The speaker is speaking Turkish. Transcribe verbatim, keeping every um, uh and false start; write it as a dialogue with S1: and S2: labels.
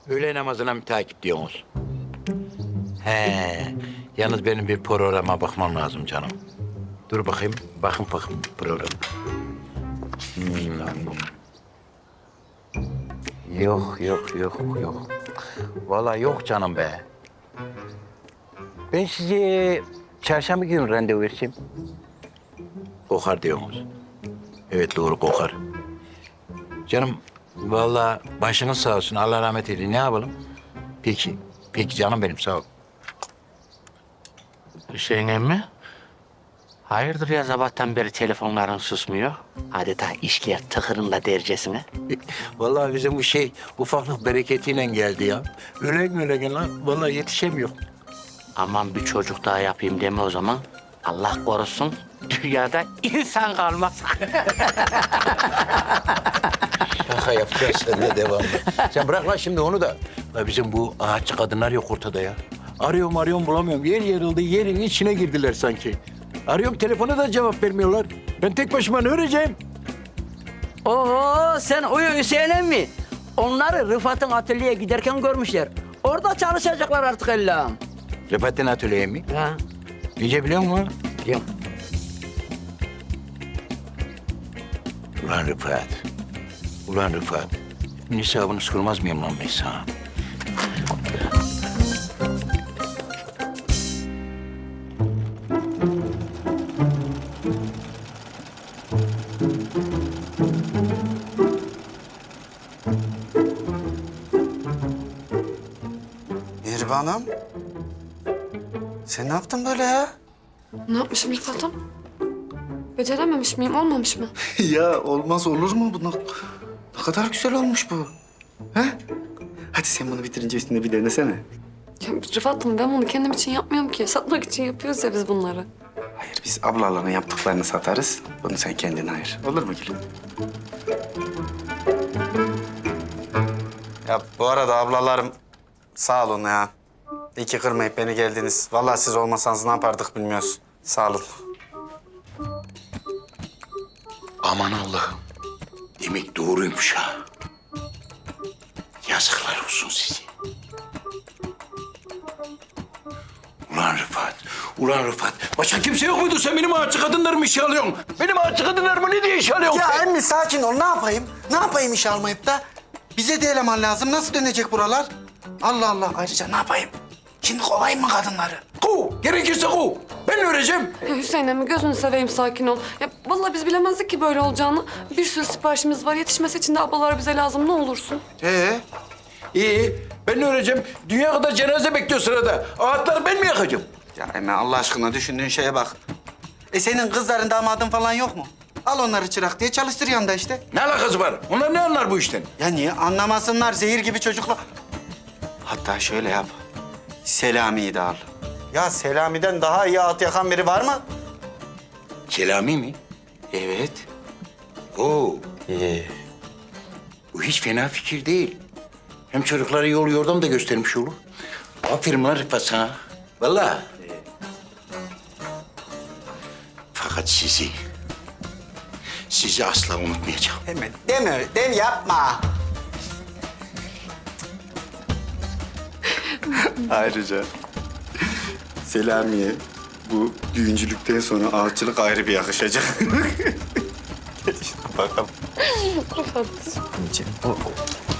S1: Öğle namazına mı takip diyorsunuz? He. Yalnız benim bir programa bakmam lazım canım. Dur bakayım. Bakın bakın program. Hmm. Yok, yok, yok, yok. Vallahi yok canım be. Ben size çarşamba günü randevu vereceğim. Kokar diyorsunuz. Evet, doğru kokar. Canım, vallahi başınız sağ olsun. Allah rahmet eylesin. Ne yapalım? Peki, peki canım benim, sağ ol.
S2: Hüseyin emmi? Hayırdır ya sabahtan beri telefonların susmuyor? Adeta işkiye tıkırında dercesine.
S1: Vallahi bizim bu şey ufaklık bereketiyle geldi ya. Ölen ölen lan. Vallahi yetişemiyor.
S2: Aman bir çocuk daha yapayım deme o zaman. Allah korusun dünyada insan kalmaz.
S1: Şaka yapacağız seninle devamlı. Sen bırak lan şimdi onu da. Ya bizim bu ağaççı kadınlar yok ortada ya. Arıyorum arıyorum bulamıyorum. Yer yarıldı, yerin içine girdiler sanki. Arıyorum telefona da cevap vermiyorlar. Ben tek başıma ne öreceğim?
S3: Oo sen uyu Hüseyin emmi. Onları Rıfat'ın atölyeye giderken görmüşler. Orada çalışacaklar artık Allah'ım.
S1: Rıfat'ın atölyeye mi?
S3: Ha,
S1: İyice biliyor musun lan?
S3: biliyorum.
S1: Ulan Rıfat. Ulan Rıfat. Bunun hesabını sormaz mıyım lan ben sana?
S4: Mihriban'ım. Sen ne yaptın böyle ya?
S5: Ne yapmışım Rıfat'ım? Becerememiş miyim, olmamış mı?
S4: Ya olmaz olur mu bu? Ne, ne kadar güzel olmuş bu. He? Hadi sen bunu bitirince üstüne bir denesene.
S5: Ya Rıfat'ım ben bunu kendim için yapmıyorum ki. Satmak için yapıyoruz ya biz bunları.
S4: Hayır biz ablaların yaptıklarını satarız. Bunu sen kendine ayır. Olur mu gülüm? Ya bu arada ablalarım sağ olun ya. İyi ki kırmayıp beni geldiniz. Vallahi siz olmasanız ne yapardık bilmiyoruz. Sağ olun.
S1: Aman Allah'ım. Demek doğruymuş ha. Yazıklar olsun size. Ulan Rıfat, ulan Rıfat. Başka kimse yok muydu? Sen benim ağaççı kadınlarımı işe alıyorsun. Benim ağaççı kadınlarımı ne diye işe alıyorsun?
S4: Ya emmi sakin ol. Ne yapayım? Ne yapayım iş almayıp da? Bize de eleman lazım. Nasıl dönecek buralar? Allah Allah. Ayrıca ne yapayım? Şimdi kovayım mı kadınları?
S1: Kov, gerekirse kov. Ben öğreneceğim.
S5: Ya Hüseyin emmi gözünü seveyim sakin ol. Ya vallahi biz bilemezdik ki böyle olacağını. Bir sürü siparişimiz var. Yetişmesi için de ablalar bize lazım. Ne olursun.
S4: Ee?
S1: İyi, ben öğreneceğim. Dünya kadar cenaze bekliyor sırada. Ağaçları ben mi yakacağım?
S4: Ya Emre Allah aşkına düşündüğün şeye bak. E senin kızların damadın falan yok mu? Al onları çırak diye çalıştır yanında işte.
S1: Ne alakası var? Onlar ne anlar bu işten?
S4: Ya niye anlamasınlar zehir gibi çocuklar. Hatta şöyle yap. Selami'yi de al. Ya Selami'den daha iyi at yakan biri var mı?
S1: Selami mi?
S4: Evet.
S1: Oo,
S4: Ee,
S1: bu hiç fena fikir değil. Hem çocuklara yol yordam da göstermiş olur. Aferin lan Rıfat sana. Vallahi. Fakat sizi, sizi asla unutmayacağım.
S4: deme, deme, deme yapma. Ayrıca Selami'ye bu düğüncülükten sonra ağaççılık ayrı bir yakışacak. Gel işte bakalım.
S5: Rıfat.
S4: O, o.